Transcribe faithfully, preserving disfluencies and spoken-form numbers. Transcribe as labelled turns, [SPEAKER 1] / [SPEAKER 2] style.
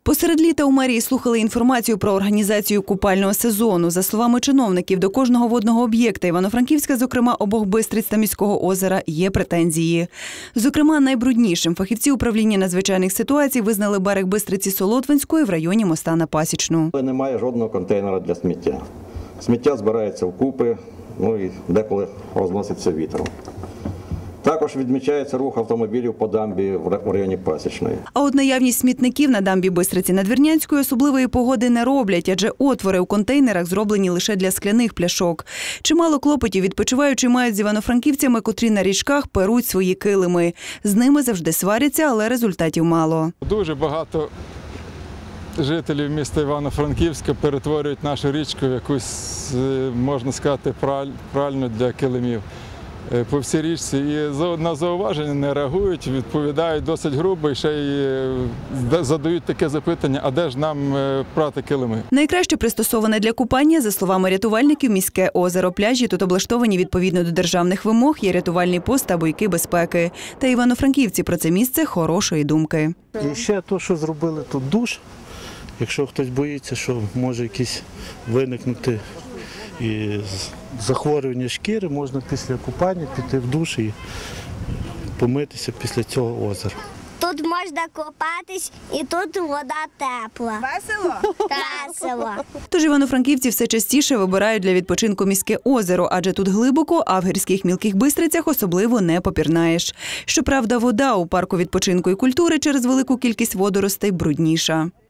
[SPEAKER 1] Посеред літа у мерії слухали інформацію про організацію купального сезону. За словами чиновників, до кожного водного об'єкта Івано-Франківська, зокрема обох Бистриць та Міського озера, є претензії. Зокрема, найбруднішим фахівці управління надзвичайних ситуацій визнали берег Бистриці Солотвинської в районі моста на Пасічну.
[SPEAKER 2] Немає жодного контейнера для сміття. Сміття збирається вкупи, ну і деколи розноситься вітром. Також відмічається рух автомобілів по дамбі в районі Пасічної.
[SPEAKER 1] А от наявність смітників на дамбі Бистриці Надвірнянської особливої погоди не роблять, адже отвори у контейнерах зроблені лише для скляних пляшок. Чимало клопотів відпочиваючі мають з івано-франківцями, котрі на річках перуть свої килими. З ними завжди сваряться, але результатів мало.
[SPEAKER 3] Дуже багато жителів міста Івано-Франківська перетворюють нашу річку в якусь, можна сказати, пральню для килимів по всій річці. І на зауваження не реагують, відповідають досить грубо і ще й задають таке запитання, а де ж нам прати килими?
[SPEAKER 1] Найкраще пристосоване для купання, за словами рятувальників, міське озеро. Пляжі тут облаштовані відповідно до державних вимог, є рятувальний пост та бойки безпеки. Та івано-франківці про це місце хорошої думки.
[SPEAKER 4] І ще те, що зробили тут душ. Якщо хтось боїться, що може якісь виникнути і захворювання шкіри, можна після купання піти в душ і помитися після цього озера.
[SPEAKER 5] Тут можна купатись і тут вода тепла.
[SPEAKER 6] Весело?
[SPEAKER 5] Весело.
[SPEAKER 1] Тож івано-франківці все частіше вибирають для відпочинку міське озеро, адже тут глибоко, а в гірських мілких Бистрицях особливо не попірнаєш. Щоправда, вода у парку відпочинку і культури через велику кількість водоростей брудніша.